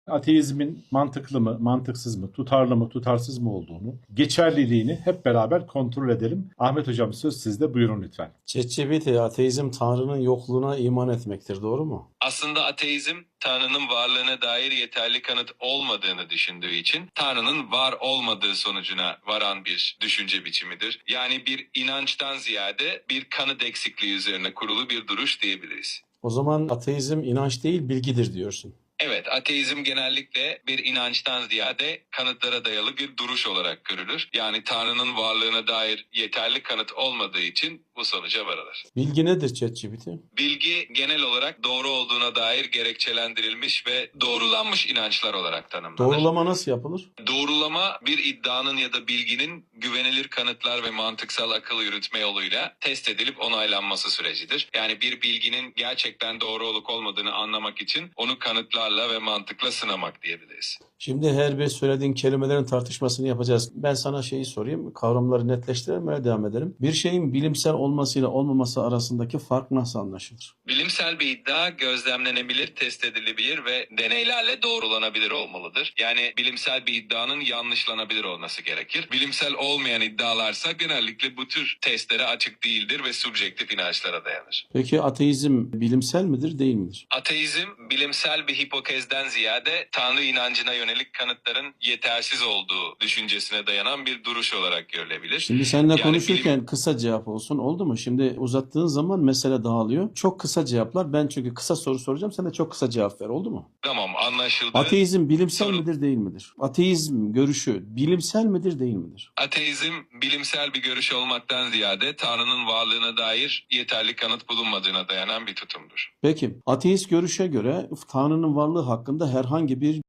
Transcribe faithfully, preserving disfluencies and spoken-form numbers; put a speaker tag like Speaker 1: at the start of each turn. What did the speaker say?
Speaker 1: Ateizmin mantıklı mı, mantıksız mı, tutarlı mı, tutarsız mı olduğunu, geçerliliğini hep beraber kontrol edelim. Ahmet Hocam söz sizde, buyurun lütfen.
Speaker 2: ChatGPT, ateizm Tanrı'nın yokluğuna iman etmektir, doğru mu?
Speaker 3: Aslında ateizm, Tanrı'nın varlığına dair yeterli kanıt olmadığını düşündüğü için Tanrı'nın var olmadığı sonucuna varan bir düşünce biçimidir. Yani bir inançtan ziyade bir kanıt eksikliği üzerine kurulu bir duruş diyebiliriz.
Speaker 2: O zaman ateizm inanç değil, bilgidir diyorsun.
Speaker 3: Evet, ateizm genellikle bir inançtan ziyade kanıtlara dayalı bir duruş olarak görülür. Yani Tanrı'nın varlığına dair yeterli kanıt olmadığı için bu sonuca varılır.
Speaker 2: Bilgi nedir ChatGPT?
Speaker 3: Bilgi genel olarak doğru olduğuna dair gerekçelendirilmiş ve doğrulanmış inançlar olarak tanımlanır.
Speaker 2: Doğrulama nasıl yapılır?
Speaker 3: Doğrulama bir iddianın ya da bilginin güvenilir kanıtlar ve mantıksal akıl yürütme yoluyla test edilip onaylanması sürecidir. Yani bir bilginin gerçekten doğru olup olmadığını anlamak için onu kanıtlarla ve mantıkla sınamak diyebiliriz.
Speaker 2: Şimdi her bir söylediğin kelimelerin tartışmasını yapacağız. Ben sana şeyi sorayım, kavramları netleştirelim, öyle devam edelim. Bir şeyin bilimsel olmasıyla olmaması arasındaki fark nasıl anlaşılır?
Speaker 3: Bilimsel bir iddia gözlemlenebilir, test edilebilir ve deneylerle doğrulanabilir olmalıdır. Yani bilimsel bir iddianın yanlışlanabilir olması gerekir. Bilimsel olmayan iddialarsa genellikle bu tür testlere açık değildir ve subjektif inançlara dayanır.
Speaker 2: Peki ateizm bilimsel midir, değil midir?
Speaker 3: Ateizm, bilimsel bir hipokezden ziyade Tanrı inancına yönelik kanıtların yetersiz olduğu düşüncesine dayanan bir duruş olarak görülebilir.
Speaker 2: Şimdi seninle
Speaker 3: Yani
Speaker 2: konuşurken
Speaker 3: bilim-
Speaker 2: kısa cevap olsun, oldu mu? Şimdi uzattığın zaman mesele dağılıyor. Çok kısa cevaplar. Ben çünkü kısa soru soracağım. Sen de çok kısa cevap ver, oldu mu?
Speaker 3: Tamam, anlaşıldı.
Speaker 2: Ateizm bilimsel
Speaker 3: Sorun.
Speaker 2: midir, değil midir? Ateizm görüşü bilimsel midir, değil midir?
Speaker 3: Ateizm, bilimsel bir görüş olmaktan ziyade Tanrı'nın varlığına dair yeterli kanıt bulunmadığına dayanan bir tutumdur.
Speaker 2: Peki, ateist görüşe göre Tanrı'nın varlığı hakkında herhangi bir